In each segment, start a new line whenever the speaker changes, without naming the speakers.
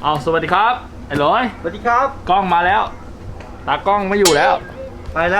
เอาสวัสดีครับไอ้ร้อย
สวัสดีครับ
กล้องมาแล้วตากล้องไม่อยู่แล้ว
ไปแล้ว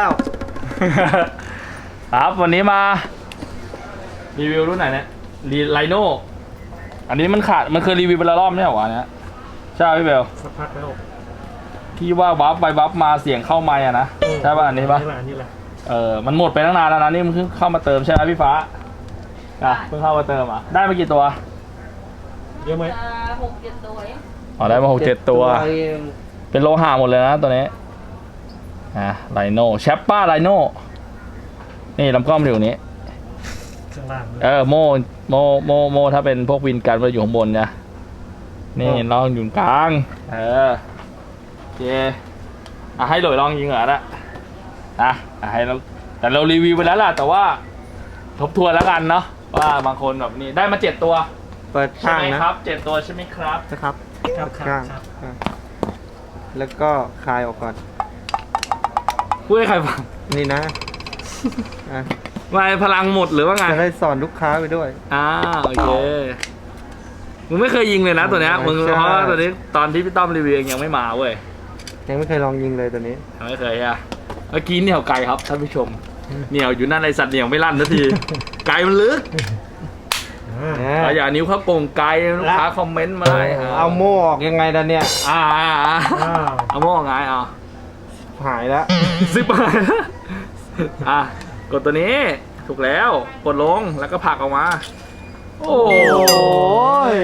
ครับวันนี้มารีวิวรุ่นไหนเนี่ยไลโน่อันนี้มันขาดมันเคยรีวิวไปแล้วรอบไม่ใช่เหรอวะเนี่ยใช่พี่เบล
สักพักแล้ว
ที่ว่าวับไปวับมาเสียงเข้าไมค์อะนะใช่ป่ะอันนี้ป่ะ
นี่แหละ
มันหมดไปตั้งนานแล้วนะนี่มันเพิ่งเข้ามาเติมใช่ไหมพี่ฟ้าเพิ่งเข้ามาเติมอ่ะได้มากี่ตัว
เยอะไหม
6-7 ตัวเอง
อ๋อได้มา6-7 ตัวเป็นโลหะหมดเลยนะตัวนี้ไลโน่แชปป้าไลโน่นี่ลำกล้องมันอยู่ตรงนี้
ข้างล่าง
โมถ้าเป็นพวกวินกันมันอยู่ข้างบนนะนี่ลองอยู่กลางโอเคให้หลอยลองยิงเหรอนะให้เราแต่เรารีวิวไปแล้วล่ะแต่ว่าทบทวนแล้วกันเนาะว่าบางคนแบบนี้ได้มา7 ตัว
เปิดข้างนะครับ
7 ตัวใช่ไหมครับ
นะครับข้างแล้วก็คลายออกก่อน
พูดให้ใครฟัง
นี่นะ
ไม่พลังหมดหรือว่าไง
จะได้สอนลูกค้าไปด้วย
โอเคมึงไม่เคยยิงเลยนะตัวเนี้ยมึงเพราะตัวนี้ตอนที่พี่ต้อมรีวิวยังไม่มาเว้ย
ยังไม่เคยลองยิงเลยตัวนี้
ไม่เคยเมื่อกี้เหนี่ยวไกลครับท่านผู้ชมเหนี่ยวอยู่นั่นในสัตว์เหนี่ยวไม่ลั่นสักทีไกลมันลึกอย่านิ้วเขาโกงไกลลูกค้าคอมเมนต์มา
เอาโม่ออกยังไงล่ะเนี่ย
เอาโม่ไง
หายแล้ว
ซิบหายกดตัวนี้ถูกแล้วกดลงแล้วก็ผลักออกมาโอ้ย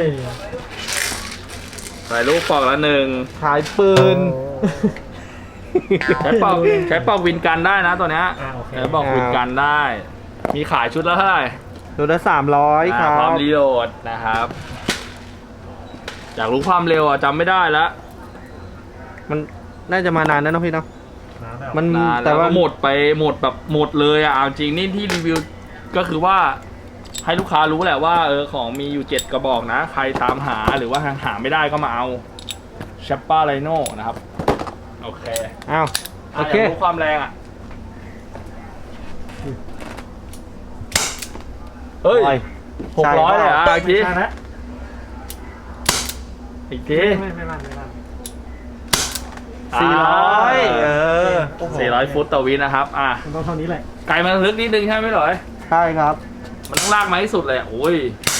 ใส่ลูกปอกละ1
ขายปืน
ใช้ปอกวินกันได้นะตัวเนี้ยใช้ปอกวินกันได้มีขายชุดละเท่าไหร่
ชุดละ300ครับ
พร้อมรีโหลดนะครับอยากรู้ความเร็วจำไม่ได้แล้ว
มันน่าจะมานานแล้วเนาะพี่เนาะ
มันแต่ว่าหมดแบบหมดเลยจริงนี่ที่รีวิวก็คือว่าให้ลูกค้ารู้แหละว่าของมีอยู่7 กระบอกนะใครตามหาหรือว่าหาไม่ได้ก็มาเอาแชปป้าไลโน่นะครับโอเค
โอเค
รู้ความแรงเฮ้ย600เลยอีกที
ไม่ลั่น
400 ฟุตต่อวินะครับ
ต้องเท่านี้แหละ
ไกลมันลึกนิดนึงใช่ไหมหรอ
ใช่ครับ
มันต้องลากมาให้สุดเลยโอ้ย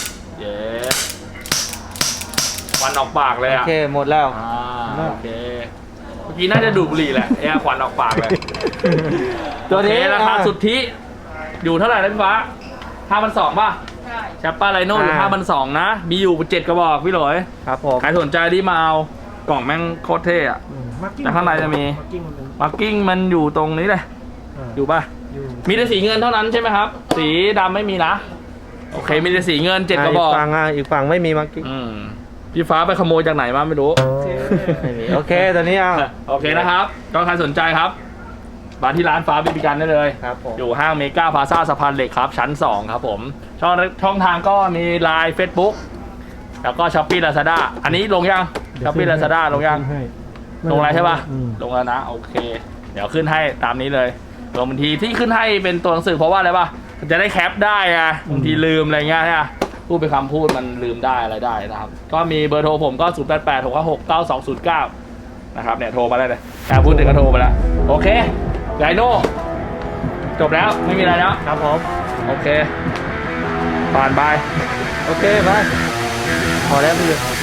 ควันออกปากเลย
โอเคหมดแล้ว
โอเคเมื่อกี้น่าจะดูดบุหรี่แหละควันออกปากเลยตัวนี้ราคาสุทธิอยู่เท่าไหร่นะพี่ฟ้า5,200ป่ะแชปป้าไลโน่อยู่5,200นะมีอยู่7 กระบอกพี่หลอย
ครับผม
ใครสนใจที่มาเอากล่องแม่งโคตรเท่แต่ข้างในจะมีมาร์กิ้งมันอยู่ตรงนี้เลยอยู่ป่ะมีแต่สีเงินเท่านั้นใช่ไหมครับสีดำไม่มีนะโอเคมีแต่สีเงิน7 กระบอก
อีกฝั่งไม่มีมาร์กิ้ง
พี่ฟ้าไปขโมยจากไหนมาไม่รู้
โอเคตอนนี้
โอเคนะครับก็ใครสนใจครับมาที่ร้านฟ้าบีบีกันได้เลยอยู่ห้างเมกาพลาซ่าสะพานเหล็กครับชั้น2ครับผมช่องทางก็มีไลน์ Facebook แล้วก็ช้อปปี้ลาซาด้าอันนี้ลงยังช้อปปี้ลาซาด้าลงยังลงอะไรใช่ป่ะลงแล้วนะโอเคเดี๋ยวขึ้นให้ตามนี้เลยลงบางทีที่ขึ้นให้เป็นตัวหนังสือเพราะว่าอะไรป่ะจะได้แคปได้บางทีลืมอะไรเงี้ยพูดไปคำพูดมันลืมได้อะไรได้นะครับก็มีเบอร์โทรผมก็0886569209นะครับเนี่ยโทรมาได้เลยพูดถึงก็โทรไปแล้วโอเคไลโน่จบแล้วไม่มีอะไรแล้ว
ครับผม
โอเคผ่านไป
โอเคไปพอแล้วพี่